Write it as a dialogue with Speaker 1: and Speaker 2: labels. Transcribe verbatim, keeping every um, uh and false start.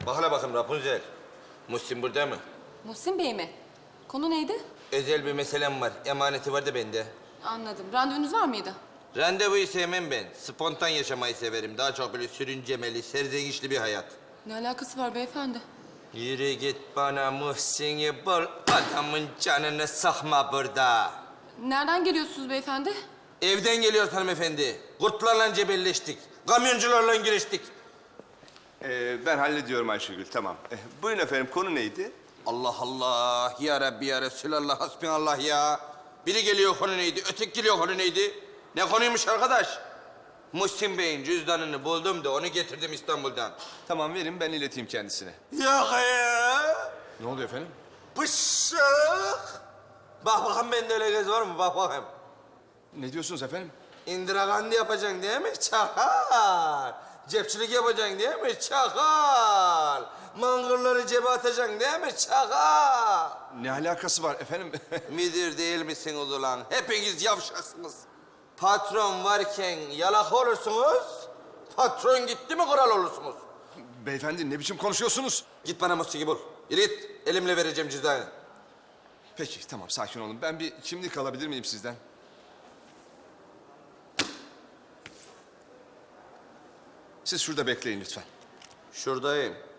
Speaker 1: Bak hele bakayım Rapunzel. Muhsin burada mı?
Speaker 2: Muhsin Bey mi? Konu neydi?
Speaker 1: Özel bir meselem var. Emaneti var da bende.
Speaker 2: Anladım. Randevunuz var mıydı?
Speaker 1: Randevuyu sevmem ben. Spontan yaşamayı severim. Daha çok böyle sürüncemeli, serzenişli bir hayat.
Speaker 2: Ne alakası var beyefendi?
Speaker 1: Yürü git bana Muhsin'i bul. Adamın canını sıkma burada.
Speaker 2: Nereden geliyorsunuz beyefendi?
Speaker 1: Evden geliyoruz hanımefendi. Kurtlarla cebelleştik. Kamyoncularla giriştik.
Speaker 3: Ee, ben hallediyorum Ayşegül, tamam. Ee, buyurun efendim, konu neydi?
Speaker 1: Allah Allah. Ya Rabbi ya Resulallah. Hasbinallah ya. Biri geliyor konu neydi? Öteki geliyor konu neydi? Ne konuymuş arkadaş? Muhsin Bey'in cüzdanını buldum da onu getirdim İstanbul'dan.
Speaker 3: Tamam, verin, ben ileteyim kendisine.
Speaker 1: Yok ya.
Speaker 3: Ne oluyor efendim?
Speaker 1: Bışık. Bak bakayım bende öyle göz var mı? Bak bakayım.
Speaker 3: Ne diyorsunuz efendim?
Speaker 1: İndira Gandhi yapacaksın değil mi? Çakal. Cepçilik yapacaksın değil mi? Çakal. Mangırları cebe atacaksın değil mi? Çakal.
Speaker 3: Ne alakası var efendim?
Speaker 1: Müdür değil misiniz ulan? Hepiniz yavşaksınız. Patron varken yalak olursunuz. Patron gitti mi kral olursunuz.
Speaker 3: Beyefendi, ne biçim konuşuyorsunuz?
Speaker 1: Git bana Muhsin'i bul. Yürü git. Elimle vereceğim cüzdanı.
Speaker 3: Peki, tamam, sakin olun. Ben bir kimlik alabilir miyim sizden? Siz şurada bekleyin lütfen.
Speaker 1: Şuradayım.